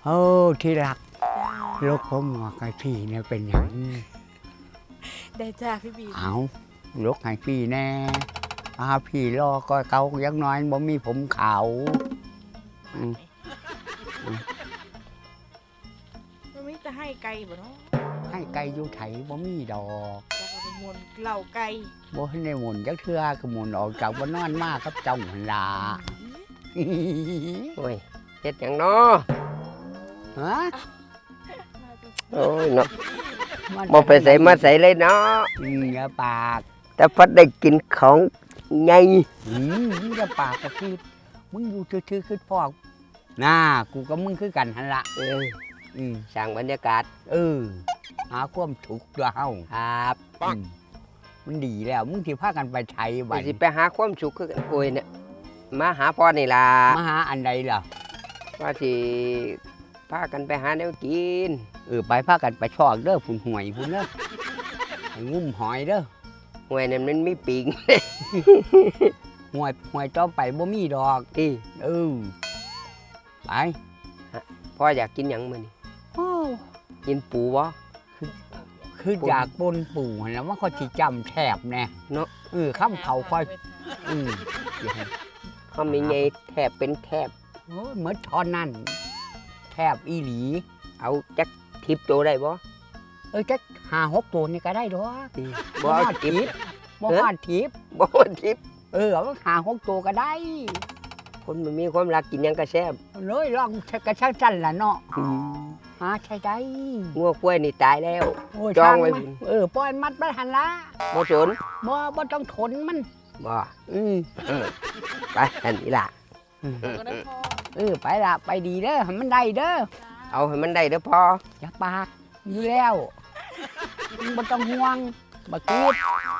โอ้ที่รักลูกผมบอกให้พี่เนี่ยเป็นอย่างได้จ้าพี่บีเอาลูกให้พี่แน่พี่รอก็เกายังน้อยบ่มีผมขาวอืมมันไม่จะให้ไก่บ่เนาะให้ไก่อยู่ไถบ่มีดอกจะเอาไปมวนเหล่าไก่บ่ให้ได้หมุนจักเทื่อก็หมุนออกจากบ่นอนมากกับเจ้าหั่นล่ะโอ้ยเฮ็ดหยังเนาะฮะโอ้ยเนาะมันบ่ไปใส่มาใส่เลยเนาะอย่าปากแต่พัดได้กินของใหญ่มึงอย่าปากก็คือมึงอยู่ซื่อๆคือพอกน่ากูกับมึงคือกันหั่นล่ะอืมสร้างบรรยากาศหาความถูกข์ด้วยเฮาครับมันดีแล้วมึงสิพากันไปไทยไปบัดสิไปหาความสุขคือกันโอ้ยเนี่ยมาหาพ่อนี่ล่ะมาหาอันใดล่ะว่าสิพากันไปหาแนวกินไปพากันไปชอกเด้อพุ่นหวยพุ่นเด้อไปงุ้มหอยเด้อห้วยนั่นมันมีปิงหวยต่อไปบ่มีดอกที่ไปพ่ออยากกินหยังมื้อนี้โอ้กินปูบ่คืออยากปนปู่หั่นแล้วมันก็สิจำแทบแน่เนาะข้ามเขาค่อยอืมเขามีไงแทบเป็นแทบโอ้ยเหมือนทอนนั่นแทบอีหลีเอาจักทิปโตได้บ่จัก5-6ตัวนี่ก็ได้ดอกบ่เอาทิปบ่ฮอดทิปบ่เอาทิปเอา5-6ตัวก็ได้คนมันมีความรักกินหยังก็แซ่บเลยลองกระช่างจันล่ะเนาะหาใช่ได้งัวกล้วยนี่ตายแล้วโอ้ยจองไว้ช่ามันปล่อยมัดไปหันละบ่สนบ่ต้องทนมันบ่อืมไปอันนี้ล่ะก็ได้พอไปละไปดีเด้อให้มันได้เด้อเอาให้มันได้เด้อพ่ออย่าปากอยู่แล้วมึงบ่ต้องห่วงบ่คิด